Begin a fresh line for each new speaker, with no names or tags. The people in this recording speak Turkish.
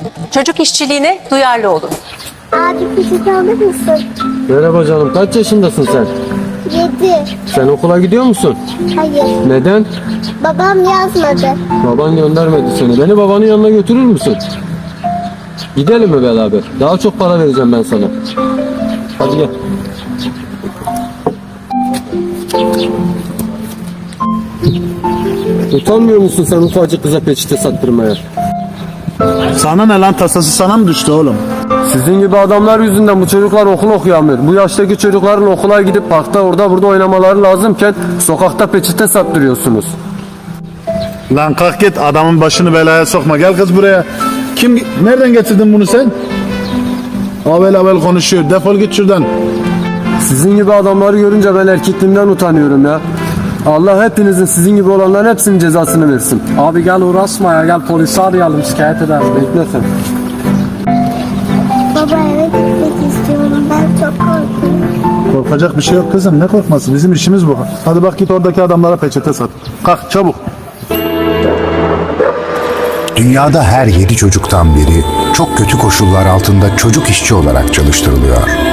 Çocuk işçiliğine duyarlı olun.
Abi peçete alır mısın?
Merhaba canım, kaç yaşındasın sen?
7.
Sen okula gidiyor musun?
Hayır.
Neden?
Babam yazmadı.
Baban göndermedi seni. Beni babanın yanına götürür müsün? Gidelim mi beraber? Daha çok para vereceğim ben sana. Hadi gel. Utanmıyor musun sen ufacık kıza peçete sattırmaya?
Sana ne lan, tasası sana mı düştü oğlum?
Sizin gibi adamlar yüzünden bu çocuklar okul okuyamıyor. Bu yaştaki çocukların okula gidip parkta orada burada oynamaları lazımken sokakta peçete sattırıyorsunuz.
Lan kalk git, adamın başını belaya sokma. Gel kız buraya. Nereden getirdin bunu sen? Avel konuşuyor. Defol git şuradan.
Sizin gibi adamları görünce ben erkekliğimden utanıyorum ya. Allah hepinizin sizin gibi olanların hepsinin cezasını versin.
Abi gel uğraşma ya, gel polisi arayalım, şikayet edelim.
Bekle sen.
Baba eve gitmek istiyorum. Ben çok korkuyorum.
Korkacak bir şey yok kızım. Ne korkması? Bizim işimiz bu. Hadi bak git oradaki adamlara peçete sat. Kalk çabuk.
Dünyada her 7 çocuktan biri çok kötü koşullar altında çocuk işçi olarak çalıştırılıyor.